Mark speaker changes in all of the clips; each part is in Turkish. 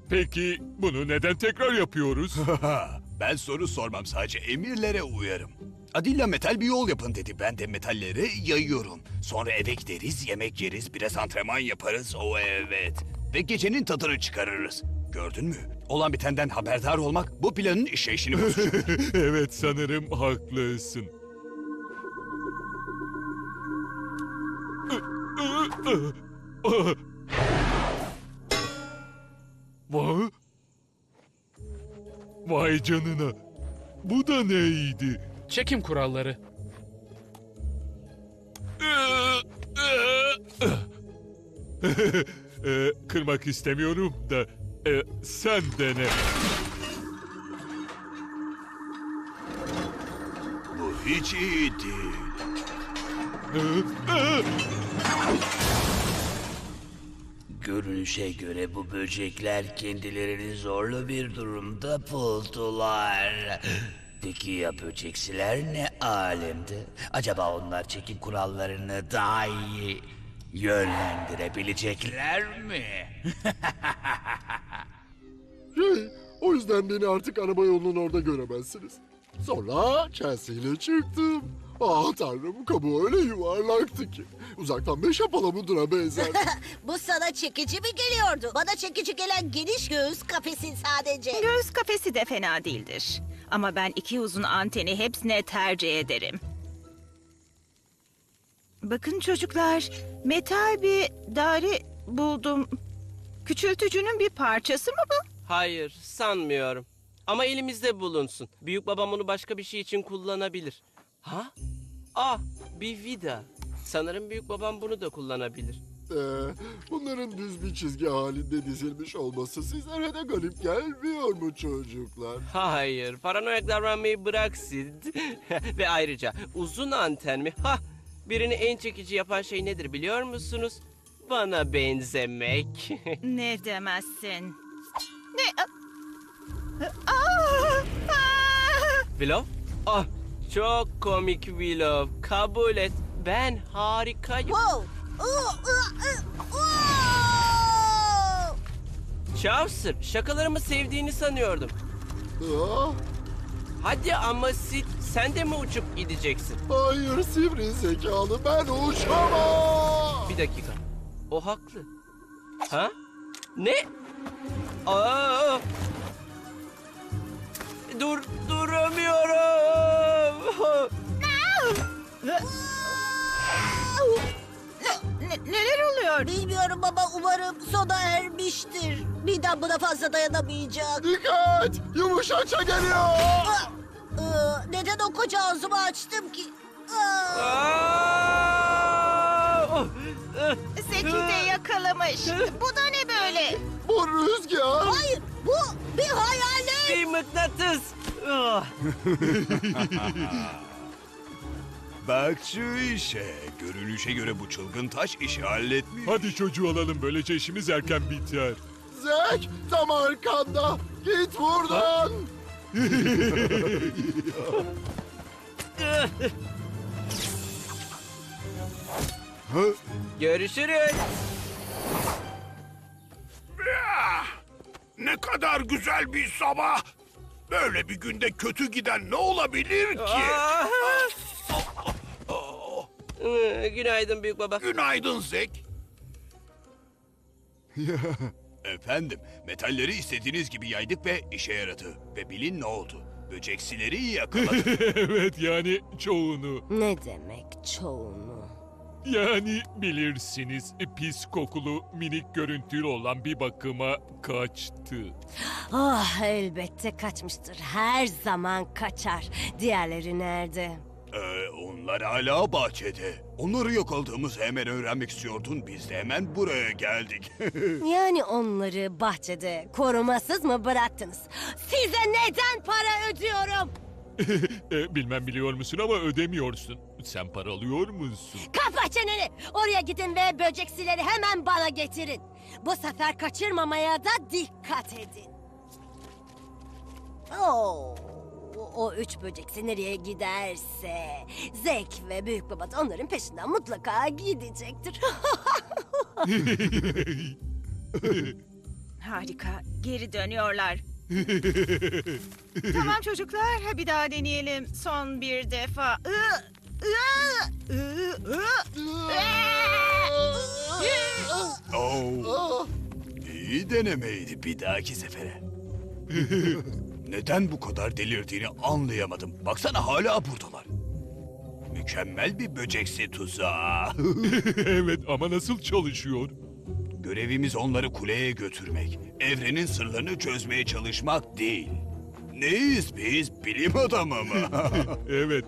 Speaker 1: Peki bunu neden tekrar yapıyoruz?
Speaker 2: Ben soru sormam, sadece emirlere uyarım. Adilla metal bir yol yapın dedi. Ben de metalleri yayıyorum. Sonra eve gideriz, yemek yeriz, biraz antrenman yaparız. O evet. Ve gecenin tadını çıkarırız. Gördün mü? Olan bitenden haberdar olmak bu planın işleyişini bozacak.
Speaker 1: Evet, sanırım haklısın. Vay. Vay canına. Bu da neydi?
Speaker 3: Çekim kuralları.
Speaker 1: Kırmak istemiyorum da sen dene.
Speaker 2: Bu hiç iyi değil.
Speaker 4: Görünüşe göre bu böcekler kendilerini zorlu bir durumda buldular. Peki ya böceksiler ne alemde? Acaba onlar çekim kurallarını daha iyi yönlendirebilecekler mi?
Speaker 5: O yüzden beni artık araba yolunun orada göremezsiniz. Sonra Chelsea ile çıktım. Ah tanrım, kabuğu öyle yuvarlaktı ki. Uzaktan meşe palamuduna benzerdi.
Speaker 6: Bu sana çekici mi geliyordu? Bana çekici gelen geniş göğüs kafesin sadece.
Speaker 7: Göğüs kafesi de fena değildir. Ama ben iki uzun anteni hepsine tercih ederim. Bakın çocuklar, metal bir daire buldum. Küçültücünün bir parçası mı bu?
Speaker 8: Hayır, sanmıyorum. Ama elimizde bulunsun. Büyük babam onu başka bir şey için kullanabilir. Ha? Ah, bir vida. Sanırım büyük babam bunu da kullanabilir.
Speaker 5: Bunların düz bir çizgi halinde dizilmiş olması sizlere de garip gelmiyor mu çocuklar?
Speaker 8: Hayır, paranoyak davranmayı bırak Sid. Ve ayrıca uzun anten mi? Ha! Birini en çekici yapan şey nedir biliyor musunuz? Bana benzemek.
Speaker 7: Ne demezsin? Ne? Aa!
Speaker 8: Willow? Ah, çok komik Willow. Kabul et. Ben harikayım.
Speaker 6: Wow!
Speaker 8: Chaucer, şakalarımı sevdiğini sanıyordum.
Speaker 5: Ah,
Speaker 8: Hadi ama Sid, sen de mi uçup gideceksin?
Speaker 5: hayır sivri zekalı, ben uçamam.
Speaker 8: Bir dakika. O haklı. Ha? Ne? Aa! Duramıyorum.
Speaker 7: Neler oluyor?
Speaker 6: Bilmiyorum baba, umarım sona ermiştir. Midem buna fazla dayanamayacak.
Speaker 5: Dikkat! Yumuşakça geliyor.
Speaker 6: Neden o koca ağzımı açtım ki?
Speaker 7: Zeki de yakalamış. Bu da ne böyle?
Speaker 5: Bu rüzgar.
Speaker 6: Hayır, bu bir hayalet.
Speaker 8: Bir mıknatıs. Ah!
Speaker 2: Bak şu işe. Görünüşe göre bu çılgın taş işi halletmiş.
Speaker 1: Hadi çocuğu alalım, böylece işimiz erken biter.
Speaker 5: Zek, tam arkanda. Git buradan.
Speaker 8: Görüşürüz.
Speaker 9: Ne kadar güzel bir sabah. Böyle bir günde kötü giden ne olabilir ki?
Speaker 8: Ah! Günaydın büyük baba.
Speaker 9: Günaydın Zek.
Speaker 2: Efendim, metalleri istediğiniz gibi yaydık ve işe yaradı. Ve bilin ne oldu? Böceksileri yakaladık.
Speaker 1: Evet, yani çoğunu.
Speaker 6: Ne demek çoğunu?
Speaker 1: Yani bilirsiniz, pis kokulu minik görüntülü olan bir bakıma kaçtı.
Speaker 6: Ah, elbette kaçmıştır. Her zaman kaçar. Diğerleri nerede?
Speaker 2: Onlar hala bahçede. Onları yakaladığımızı hemen öğrenmek istiyordun. Biz de hemen buraya geldik.
Speaker 6: Yani onları bahçede korumasız mı bıraktınız? Size neden para ödüyorum?
Speaker 1: Bilmem biliyor musun ama ödemiyorsun. Sen para alıyor musun?
Speaker 6: Kapa çeneni! Oraya gidin ve böceksileri hemen bana getirin. Bu sefer kaçırmamaya da dikkat edin. Oo, o üç böceksi nereye giderse Zek ve Büyük Baba da onların peşinden mutlaka gidecektir.
Speaker 7: Harika. Geri dönüyorlar. Tamam çocuklar. Bir daha deneyelim. Son bir defa.
Speaker 2: İyi denemeydi bir dahaki sefere. Neden bu kadar delirdiğini anlayamadım. Baksana hala buradalar. Mükemmel bir böceksi tuzağı.
Speaker 1: Evet ama nasıl çalışıyor?
Speaker 2: Görevimiz onları kuleye götürmek. Evrenin sırlarını çözmeye çalışmak değil. Neyiz biz? Bilim adamı mı?
Speaker 1: Evet.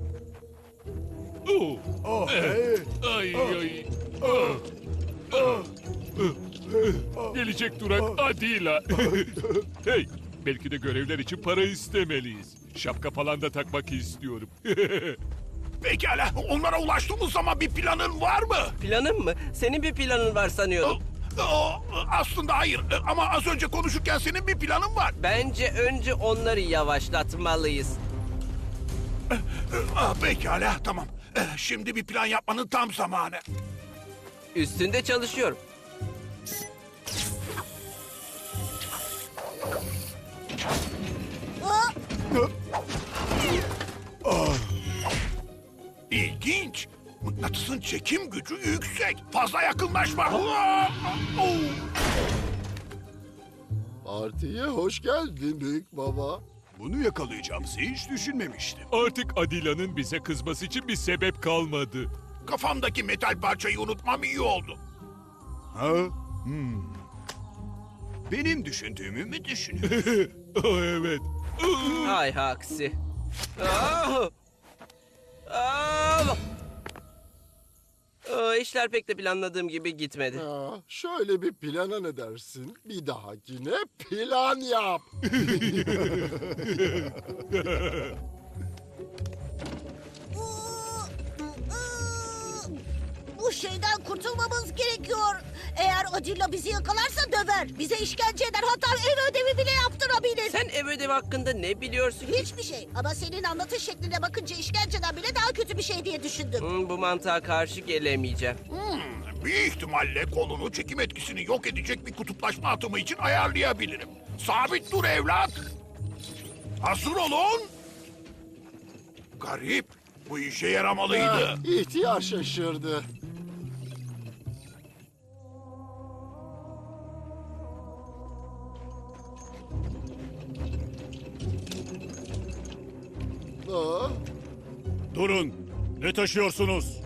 Speaker 1: Oo.
Speaker 2: Oh, hey.
Speaker 1: Ay ay. Ah. Ah. Gelecek durak Adila. Hey, belki de görevler için para istemeliyiz. Şapka falan da takmak istiyorum.
Speaker 9: Pekala, onlara ulaştığımız zaman bir planın var mı?
Speaker 8: Planın mı? Senin bir planın var sanıyordum.
Speaker 9: Aslında hayır ama az önce konuşurken senin bir planın var.
Speaker 8: Bence önce onları yavaşlatmalıyız.
Speaker 9: Pekala, tamam. Şimdi bir plan yapmanın tam zamanı.
Speaker 8: Üstünde çalışıyorum.
Speaker 9: İlginç. Mıknatısın çekim gücü yüksek. Fazla yakınlaşma.
Speaker 5: Partiye hoş geldin büyük baba.
Speaker 2: Bunu yakalayacağımızı hiç düşünmemiştim.
Speaker 1: Artık Adila'nın bize kızması için bir sebep kalmadı.
Speaker 9: Kafamdaki metal parçayı unutmam iyi oldu.
Speaker 2: Ha? Benim düşündüğümü mü düşünüyorsun?
Speaker 1: Oh, evet.
Speaker 8: Hay aksi. Ah! Ah! İşler pek de planladığım gibi gitmedi.
Speaker 5: Ya, şöyle bir plana ne dersin? Bir dahakine plan yap.
Speaker 6: Bu şeyden kurtulmamız gerekiyor. Eğer Adilla bizi yakalarsa döver. Bize işkence eder, hatta ev ödevi bile yaptırabilir.
Speaker 8: Sen ev ödevi hakkında ne biliyorsun?
Speaker 6: Hiçbir şey. Ama senin anlatış şekline bakınca işkenceden bile daha kötü bir şey diye düşündüm.
Speaker 8: Bu mantığa karşı gelemeyeceğim.
Speaker 9: Bir ihtimalle kolunu çekim etkisini yok edecek bir kutuplaşma atımı için ayarlayabilirim. Sabit dur evlat. Hazır olun. Garip. Bu işe yaramalıydı.
Speaker 5: İhtiyar şaşırdı. Aa,
Speaker 9: Durun. Ne taşıyorsunuz?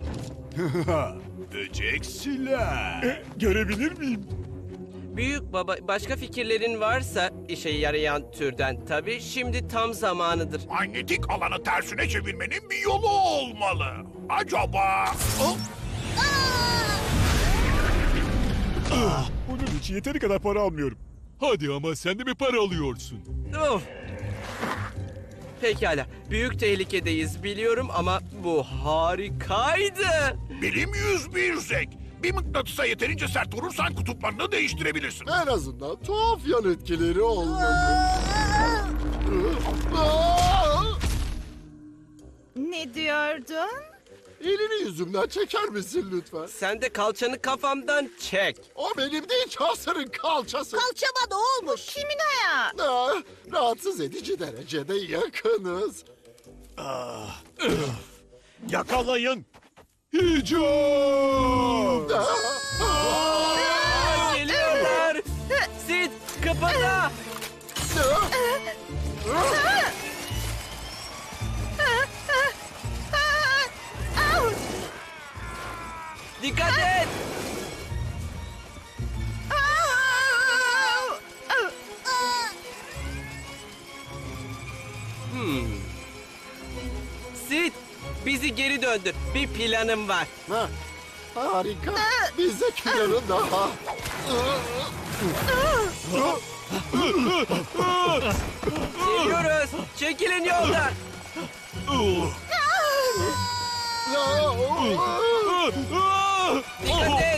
Speaker 2: Böceksiler.
Speaker 1: Görebilir miyim?
Speaker 8: Büyük baba, başka fikirlerin varsa işe yarayan türden tabii şimdi tam zamanıdır.
Speaker 9: Manyetik alanı tersine çevirmenin bir yolu olmalı. Acaba...
Speaker 1: Bunun için yeteri kadar para almıyorum. Hadi ama sen de mi para alıyorsun?
Speaker 8: Of! Pekala, büyük tehlikedeyiz biliyorum ama bu harikaydı.
Speaker 9: Bilim 101 zek. Bir mıknatısa yeterince sert vurursan kutuplarını değiştirebilirsin.
Speaker 5: en azından tuhaf yan etkileri olmadı. Aa!
Speaker 7: Ne diyordun?
Speaker 5: Elini yüzümden çeker misin lütfen?
Speaker 8: Sen de kalçanı kafamdan çek.
Speaker 5: O benim değil, Chaucer'ın kalçası.
Speaker 6: Kalçama ne olmuş?
Speaker 7: Kimin ayağı?
Speaker 5: Aa, rahatsız edici derecede yakınız.
Speaker 9: Yakalayın.
Speaker 5: Hücum!
Speaker 8: Geliyorlar. Sid, kıpırda. Dikkat et. Sid, bizi geri döndür. Bir planım var.
Speaker 5: Ha, harika. Bize planı daha.
Speaker 8: Geliyoruz. Çekilin yoldan. Dikkat et.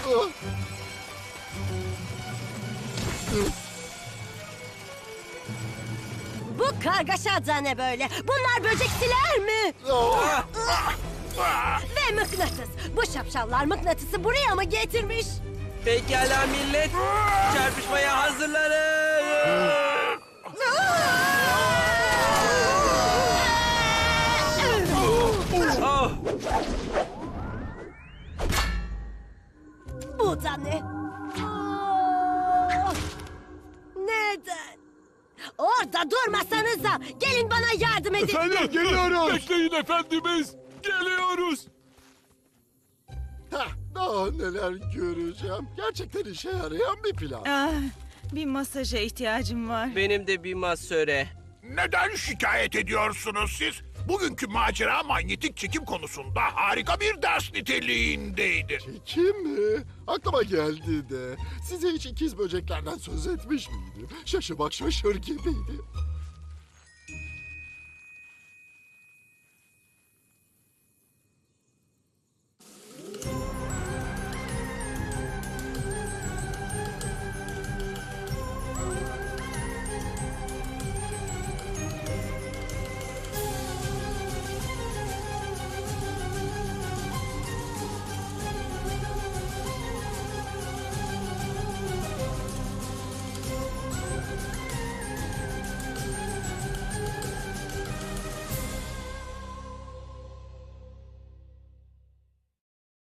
Speaker 6: Bu kargaşa da ne böyle? Bunlar böceksiler mi? Ve mıknatıs. Bu şapşallar mıknatısı buraya mı getirmiş?
Speaker 8: Pekala millet. Çarpışmaya hazırlanın. Oh,
Speaker 6: Bu da ne? Aa! Neden? Orada durmasanıza. Gelin bana yardım edin.
Speaker 1: Efendim geliyoruz. Bekleyin efendimiz. Geliyoruz.
Speaker 5: Heh, daha neler göreceğim. Gerçekten işe yarayan bir plan.
Speaker 7: Ah, bir masaja ihtiyacım var.
Speaker 8: benim de bir masöre.
Speaker 9: Neden şikayet ediyorsunuz siz? Bugünkü macera manyetik çekim konusunda harika bir ders niteliğindeydi.
Speaker 5: Kim mi? Aklıma geldi de. Size hiç ikiz böceklerden söz etmiş miydim? Şaşı bak şaşır gibiydi.